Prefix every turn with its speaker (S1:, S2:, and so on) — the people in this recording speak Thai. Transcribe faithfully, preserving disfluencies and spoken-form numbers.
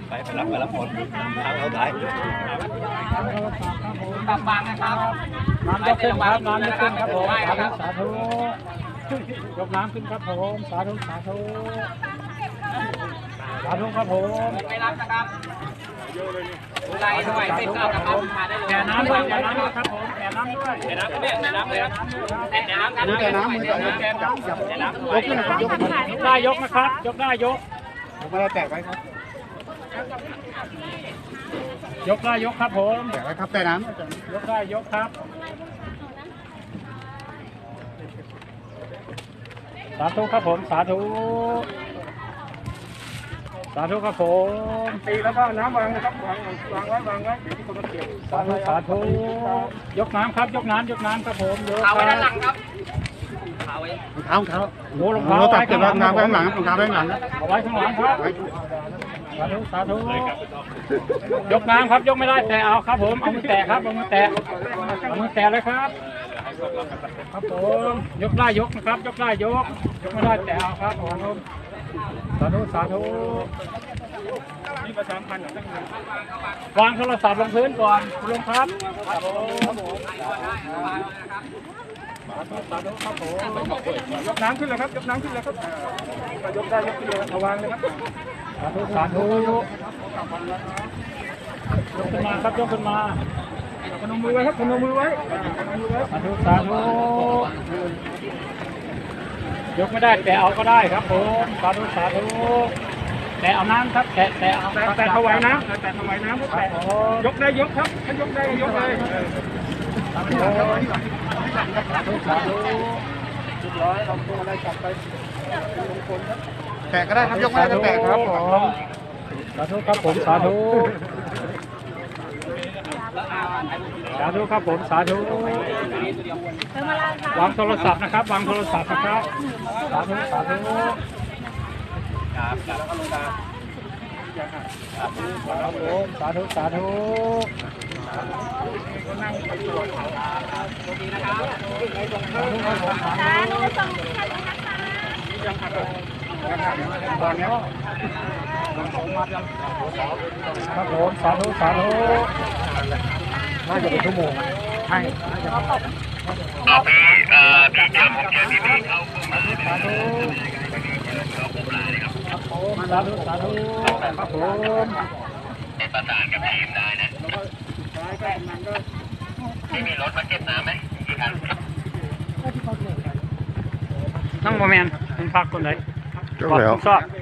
S1: ไปไปรับไปรับผลทางเราถ่าย
S2: บางบางนะครับ
S3: น้ำยกขึ้นครับน้ำยกขึ้นครับผมสาธุสาธุยกน้ำขึ้นครับผมสาธุสาธุสาธุครับผม
S2: ไม่รับนะครับไล่ด้วยไม่เข้านะครับมาได้เลย
S3: แก่น้ำด้วยแก่น้ำด้วยครับผมแก่น้ำด้วย
S2: แก่น้ำแก่น้ำเลยครับแก่น้ำครับแก่น้ำมือแก่น้ำแก่น้ำ
S3: ยกขึ้นนะครับยกได้ยกนะครับยกได้ยก
S4: ผมไม่ได้แตกไว้ครับ
S3: ยกได้ยกครับผม
S4: แตกไว้ครับแต่น้
S3: ยกได้ยกครับสาธุครับผมสาธุสาธุครับผมตีแล้วก็น้ำวางนะครับวางวางไว้วางไว้เดี๋ยวที่คนมาเก็บสาธุสาธุยกน้ำครับยกน้ำยกน้ำครับผมยก
S2: เอาไว้ด้านหลังครับเอาไว้
S4: ำเท้าเท้า
S3: โอ้รองเท้า
S4: ตัดเก็บรองเท้าไว้ข้างหลังรองเท้าไว้ข้างหลัง
S3: เอาไว้ข้างหลังครับสาธุสาธุยกน้ำครับยกไม่ได้แต่เอาครับผมเอามือแตะครับเอามือแตะเอามือแตะเลยครับครับผมยกได้ยกนะครับยกได้ยกยกไม่ได้แต่เอาครับผมสาธุสาธุนี่ประชาพันธ์วางโทรศัพท์ลงพื้นก่อนคุณลุงครับครับผมสาธุครับผมยกน้ำขึ้นเลยครับยกน้ำขึ้นเลยครับยกได้ยกขึ้นเลยระวังเลยครับสาธุสาธุยกขึ้นมาครับยกขึ้นมาพนมมือไว้ครับพนมมือไว้สาธุสาธุยกไม่ได้แต่เอาก็ได้ครับผมสาธุสาธุแต่เอาน้ำครับแต่แต่เอาแต่ถวายน้ำแต่ถวายน้ำแต่ยกได้ยกครับถ้ายกได้ยกเลยสาธุสาธุสาธุเรียบร้อยเราตัวอะไรกลับไปมงคลครับ
S4: แตกก็ได้ครับยกไม่ได้ก็แตกครับผม
S3: สาธุครับผมสาธุสาธุครับผมสาธุวางโทรศัพท์นะครับวางโทรศัพท์นะครับสาธุสาธุครับครับผมสาธุสาธุนั่งไปตรวจเขาครับตรงนี้นะครับสาธุครับผมสาธุยังขัดตอนนี้ครับผมสาธุสาธุน่าจะเป็นชั่วโมงใช่น่าจะพี่เอ่อพี่จำผมเจอพี่พี่เขาสาธุครับผมสาธุสาธุครับผมประสานกับทีมได้นะที่มีรถมาเก็บน้ำไหมกี่คันนั่งโมเมนต์เป็นพักคนไหน
S4: ยกแล้ว
S3: ชอบ